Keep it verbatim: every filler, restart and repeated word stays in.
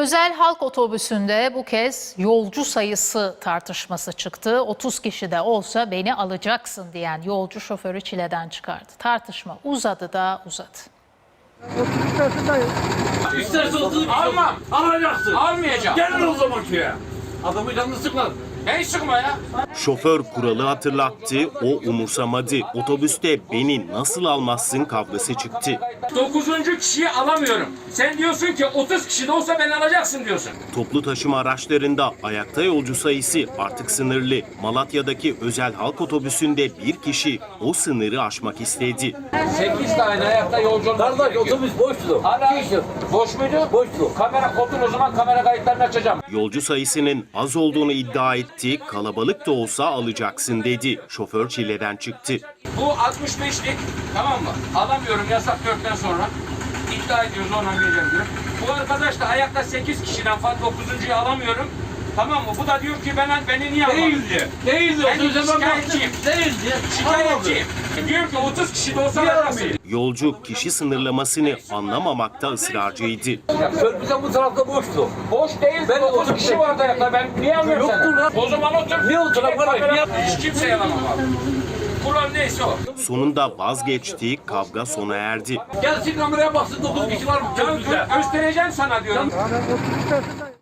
Özel halk otobüsünde bu kez yolcu sayısı tartışması çıktı. otuz kişi de olsa beni alacaksın diyen yolcu şoförü çileden çıkardı. Tartışma uzadı da uzadı. İsterse otuz alma. Alacaksın. Almayacağım. Gelin o zaman köye. Adamı canını sıkma. Ne sıkma ya? Şoför kuralı hatırlattı, o umursamadı. Otobüste beni nasıl almazsın kavgası çıktı. Dokuzuncu kişiyi alamıyorum. Sen diyorsun ki otuz kişi de olsa beni alacaksın diyorsun. Toplu taşıma araçlarında ayakta yolcu sayısı artık sınırlı. Malatya'daki özel halk otobüsünde bir kişi o sınırı aşmak istedi. sekiz tane ayakta yolcu olması gerekiyor. Otobüs boştu. Hala boş muydu? Boştu. Kamera kodun o zaman kamera kayıtlarını açacağım. Yolcu sayısının az olduğunu iddia etti, kalabalık da olsa alacaksın dedi. Şoför çileden çıktı. Bu altmış beşlik, tamam mı? Alamıyorum yasak dörtten sonra. İddia ediyoruz ondan geleceğim diyor. Bu arkadaş da ayakta sekiz kişiden fazla dokuzuncuyu alamıyorum. Tamam mı? Bu da diyor ki ben beni niye alamam? Değildi. Değildi. Ben şikayetçiyim. Değildi. Şikayetçiyim. Diyor ki otuz kişi de olsa alacaksın. Yolcu kişi sınırlamasını anlamamakta ısrarcıydı. Körpüzen bu tarafta boştu. Boş değil. Ben otuz otuz kişi vardı ayakta. Ben niye alıyorum Yoktur seni? lan. O zaman otur. Niye otur lan? Kamera- Niye- Hiç kimseye alamam abi. Kural neyse o. Sonunda vazgeçti, kavga sona erdi. Gelsin kameraya baksın dokuz kişi var mı? Ya Körpüzde. gö- göstereceğim sana diyorum. Ya ben otuz